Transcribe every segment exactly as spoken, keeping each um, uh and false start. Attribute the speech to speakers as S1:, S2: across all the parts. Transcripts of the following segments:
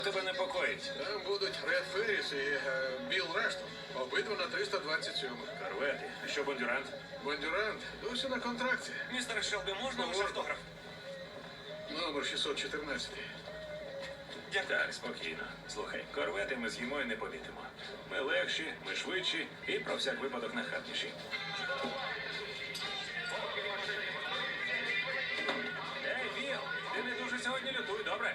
S1: Тебе непокоїть.
S2: Там будуть Ред Ферріс і е, Білл Рештон. Обидва на триста двадцять сьомих.
S1: Корвети. А що Бондюрант?
S2: Бондюрант досі на контракті.
S1: Містер Шелбі, можна ваш автограф?
S2: Номер шістсот чотирнадцять.
S1: Так, спокійно. Слухай, корвети ми з'їмо і не помітимо. Ми легші, ми швидші і про всяк випадок нахабніші. Ей, Віл, ти не дуже сьогодні лютуй, добре?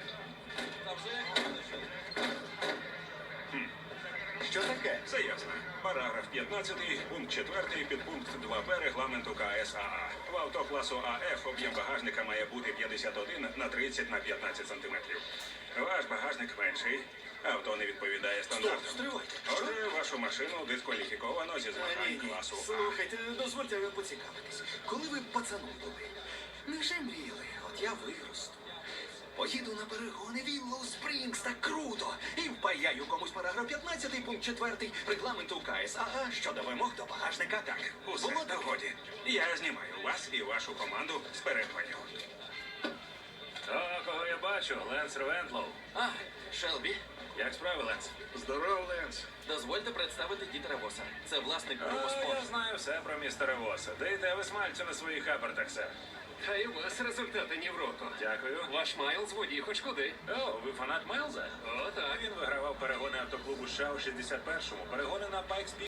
S3: Що таке?
S4: Все ясно. Параграф п'ятнадцятий, пункт четвертий, підпункт два Б регламенту К С А А. В авто класу А Ф об'єм багажника має бути п'ятдесят один на тридцять на п'ятнадцять сантиметрів. Ваш багажник менший. Авто не відповідає стандартам.
S3: Стоп, стривайте.
S4: Отже, вашу машину дискваліфіковано зі
S3: Ні,
S4: змагань
S3: ні.
S4: класу А.
S3: Слухайте, дозвольте поцікавитись. Коли ви пацаном були, не вже мріяли, от я виросту. Поїду на перегони Віллоу Спрінгс, так круто! І впаяю комусь параграф п'ятнадцятий, пункт четвертий регламенту К С А А щодо вимог до багажника.
S4: Так, усе
S3: Було
S4: в догоді. Я знімаю вас і вашу команду з перегонів.
S1: О, кого я бачу? Ленс Ревентлоу.
S5: А, Шелбі,
S1: Як справи, Ленс?
S2: Здоров, Ленс.
S5: дозвольте представити Дітера Воса. Це власник
S1: О,
S5: клубу
S1: я
S5: спорт.
S1: знаю все про містера Воса. Дайте ви смальцю на своїх апертах, сер.
S6: А й у вас результати ні в року.
S1: Дякую.
S6: Ваш Майлз водій хоч куди.
S1: О, ви фанат Майлза?
S6: О, так.
S1: Він вигравав перегони автоклубу США у шістдесят першому, перегони на Пайкс